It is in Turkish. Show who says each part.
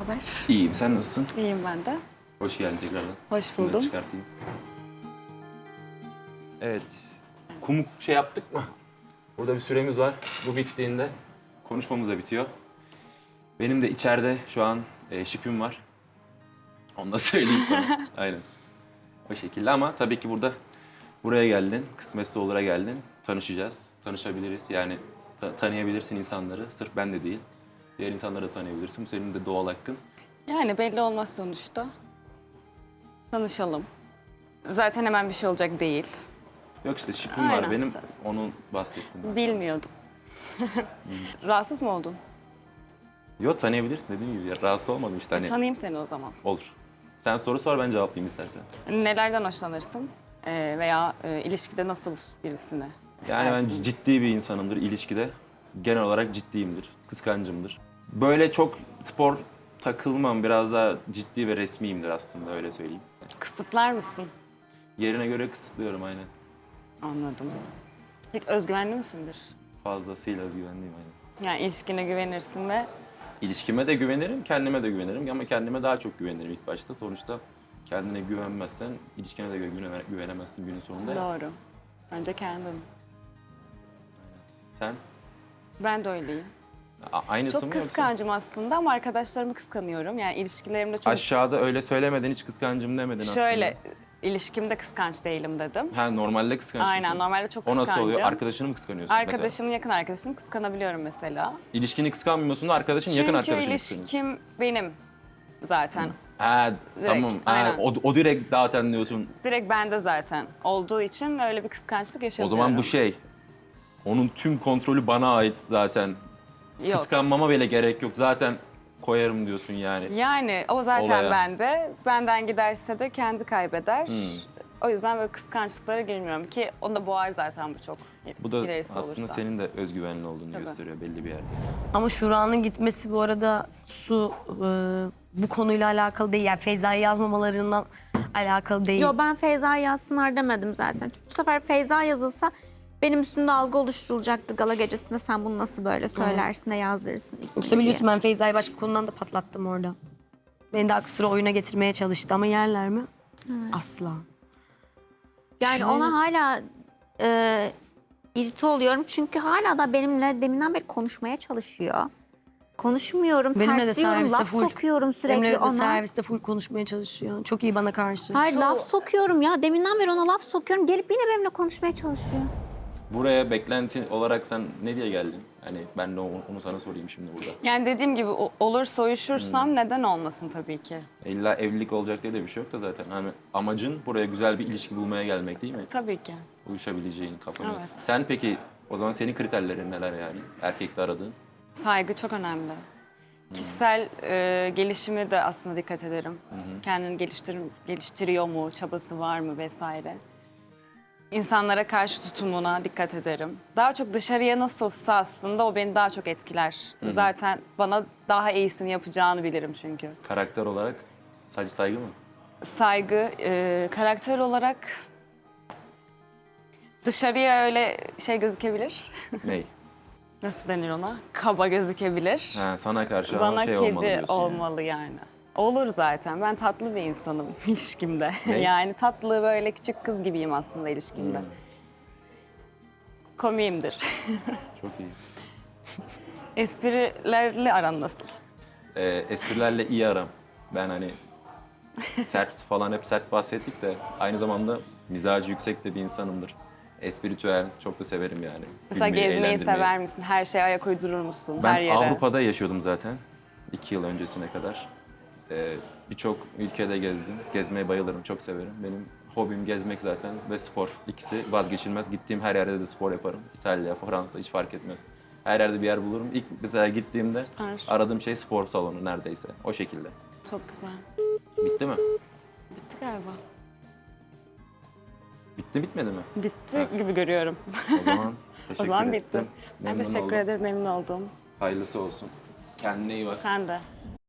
Speaker 1: haber?
Speaker 2: İyiyim, sen nasılsın?
Speaker 1: İyiyim ben de.
Speaker 2: Hoş geldin tekrardan.
Speaker 1: Hoş
Speaker 2: Bunları
Speaker 1: buldum.
Speaker 2: çıkartayım. Evet, kum şey yaptık mı? Burada bir süremiz var. Bu bittiğinde konuşmamız da bitiyor. Benim de içeride şu an şipim var. Onu da söyleyeyim sana. Aynen. O şekilde ama tabii ki buraya geldin, kısmetse olur'a geldin. Tanışacağız, tanışabiliriz. Yani tanıyabilirsin insanları. Sırf ben de değil. Diğer insanları da tanıyabilirsin. Bu senin de doğal hakkın.
Speaker 1: Yani belli olmaz sonuçta. Tanışalım. Zaten hemen bir şey olacak değil.
Speaker 2: Yok işte şipim var
Speaker 1: Aynen.
Speaker 2: benim. Onu bahsettim. Ben sana.
Speaker 1: Bilmiyordum. Rahatsız mı oldun?
Speaker 2: Yok tanıyabilirsin dediğim gibi. Ya, rahatsız olmadım işte hani.
Speaker 1: Tanıyayım seni o zaman.
Speaker 2: Olur. Sen soru sor ben cevaplayayım istersen.
Speaker 1: Nelerden hoşlanırsın? Veya ilişkide nasıl birisini
Speaker 2: Yani
Speaker 1: istersin?
Speaker 2: ben ciddi bir insanımdır ilişkide. Genel olarak ciddiyimdir. Kıskancımdır. Böyle çok spor takılmam. Biraz daha ciddi ve resmiyimdir aslında öyle söyleyeyim.
Speaker 1: Kısıtlar mısın?
Speaker 2: Yerine göre kısıtlıyorum aynen.
Speaker 1: Anladım. Peki özgüvenli misindir?
Speaker 2: Fazlasıyla özgüvenliyim aynen.
Speaker 1: Yani ilişkine güvenirsin ve
Speaker 2: İlişkime de güvenirim, kendime de güvenirim ama kendime daha çok güvenirim ilk başta. Sonuçta kendine güvenmezsen ilişkine de güvenemezsin günün sonunda.
Speaker 1: doğru. Önce kendin.
Speaker 2: Sen
Speaker 1: Ben de öyleyim.
Speaker 2: aynısı
Speaker 1: Çok
Speaker 2: mı yoksa?
Speaker 1: kıskancım aslında ama arkadaşlarımı kıskanıyorum. Yani ilişkilerimde çok...
Speaker 2: Aşağıda öyle söylemedin, hiç kıskancım demedin aslında.
Speaker 1: Şöyle, ilişkimde kıskanç değilim dedim.
Speaker 2: Ha normalde kıskanç
Speaker 1: Aynen,
Speaker 2: mısın?
Speaker 1: normalde çok
Speaker 2: O nasıl
Speaker 1: kıskancım.
Speaker 2: oluyor? Arkadaşını mı kıskanıyorsun mesela?
Speaker 1: Arkadaşımın yakın arkadaşını kıskanabiliyorum mesela.
Speaker 2: İlişkini kıskanmıyorsun da arkadaşın yakın
Speaker 1: Çünkü
Speaker 2: arkadaşını kıskanıyorsun.
Speaker 1: ilişkim benim zaten.
Speaker 2: Ha tamam. Ha,
Speaker 1: aynen.
Speaker 2: o direkt zaten diyorsun.
Speaker 1: Direkt bende zaten olduğu için öyle bir kıskançlık
Speaker 2: O
Speaker 1: yaşamıyorum.
Speaker 2: zaman bu şey. Onun tüm kontrolü bana ait zaten.
Speaker 1: Yok.
Speaker 2: Kıskanmama bile gerek yok. Zaten koyarım diyorsun yani.
Speaker 1: Yani o zaten
Speaker 2: Olaya.
Speaker 1: bende. Benden giderse de kendi kaybeder.
Speaker 2: Hmm.
Speaker 1: O yüzden böyle kıskançlıklara girmiyorum ki onu da boğar zaten bu çok.
Speaker 2: Bu da
Speaker 1: ilerisi
Speaker 2: aslında
Speaker 1: olursa.
Speaker 2: senin de özgüvenli olduğunu
Speaker 1: Tabii.
Speaker 2: gösteriyor belli bir yerde.
Speaker 3: Ama Şura'nın gitmesi bu arada bu konuyla alakalı değil. Yani Feyza'yı yazmamalarından alakalı değil.
Speaker 4: Yo ben Feyza yazsınlar demedim zaten. Çünkü bu sefer Feyza yazılsa benim üstümde algı oluşturulacaktı gala gecesinde sen bunu nasıl böyle söylersin de yazdırırsın ismini
Speaker 3: Yoksa biliyorsun
Speaker 4: diye.
Speaker 3: ben Feyza'yı başka konudan da patlattım orada. Beni de aklı sıra oyuna getirmeye çalıştı ama yerler mi? Asla.
Speaker 4: Yani
Speaker 3: Şöyle-
Speaker 4: ona hala irite oluyorum çünkü hala da benimle deminden beri konuşmaya çalışıyor. Konuşmuyorum,
Speaker 3: Benimle de
Speaker 4: tersliyorum,
Speaker 3: serviste
Speaker 4: laf
Speaker 3: full-
Speaker 4: sokuyorum sürekli
Speaker 3: Benimle de
Speaker 4: ona.
Speaker 3: serviste full konuşmaya çalışıyor. Çok iyi bana karşı.
Speaker 4: Hayır laf sokuyorum ya. Deminden beri ona laf sokuyorum. Gelip yine benimle konuşmaya çalışıyor.
Speaker 2: Buraya beklenti olarak sen ne diye geldin? Hani ben de onu sana sorayım şimdi burada.
Speaker 1: Yani dediğim gibi olur soyuşursam neden olmasın tabii ki.
Speaker 2: İlla evlilik olacak diye de bir şey yok da zaten. Hani amacın buraya güzel bir ilişki bulmaya gelmek değil mi?
Speaker 1: Tabii ki.
Speaker 2: Uyuşabileceğin kafana.
Speaker 1: Evet.
Speaker 2: Sen peki o zaman senin kriterlerin neler yani? Erkekte aradığın.
Speaker 1: Saygı çok önemli. Kişisel gelişimi de aslında dikkat ederim. Kendini geliştiriyor mu, çabası var mı vesaire. İnsanlara karşı tutumuna dikkat ederim. Daha çok dışarıya nasılsa aslında o beni daha çok etkiler. Zaten bana daha iyisini yapacağını bilirim çünkü.
Speaker 2: Karakter olarak sadece saygı mı?
Speaker 1: Saygı, karakter olarak dışarıya öyle şey gözükebilir.
Speaker 2: Ney?
Speaker 1: Nasıl denir ona? Kaba gözükebilir.
Speaker 2: Ha, sana karşı ama
Speaker 1: Bana
Speaker 2: şey
Speaker 1: kedi
Speaker 2: olmalı diyorsun
Speaker 1: olmalı yani. Olur zaten. Ben tatlı bir insanım ilişkimde.
Speaker 2: Ne?
Speaker 1: Yani tatlı böyle küçük kız gibiyim aslında ilişkimde. Komiyimdir.
Speaker 2: Çok iyi.
Speaker 1: Esprilerle aran nasıl?
Speaker 2: Esprilerle iyi aram. Ben hani sert falan hep sert bahsettik de aynı zamanda mizacı yüksek de bir insanımdır. Espiritüel çok da severim yani.
Speaker 1: Mesela
Speaker 2: Gülmeyi,
Speaker 1: gezmeyi
Speaker 2: eğlendirmeyi.
Speaker 1: sever misin? Her şeye ayak uydurur musun?
Speaker 2: Ben
Speaker 1: her yere.
Speaker 2: Avrupa'da yaşıyordum zaten. 2 yıl öncesine kadar. Birçok ülkede gezdim. Gezmeye bayılırım, çok severim. Benim hobim gezmek zaten ve spor. İkisi vazgeçilmez. Gittiğim her yerde de spor yaparım. İtalya, Fransa hiç fark etmez. Her yerde bir yer bulurum. İlk mesela gittiğimde
Speaker 1: Süper.
Speaker 2: aradığım şey spor salonu neredeyse. O şekilde.
Speaker 1: Çok güzel.
Speaker 2: Bitti mi?
Speaker 1: Bitti galiba.
Speaker 2: Bitti bitmedi mi?
Speaker 1: Bitti gibi görüyorum.
Speaker 2: O zaman
Speaker 1: O
Speaker 2: teşekkür
Speaker 1: zaman
Speaker 2: ettim.
Speaker 1: bitti. Ben
Speaker 2: Memnun
Speaker 1: teşekkür
Speaker 2: oldum.
Speaker 1: ederim, memnun oldum.
Speaker 2: Hayırlısı olsun. Kendine iyi bak.
Speaker 1: Sen de.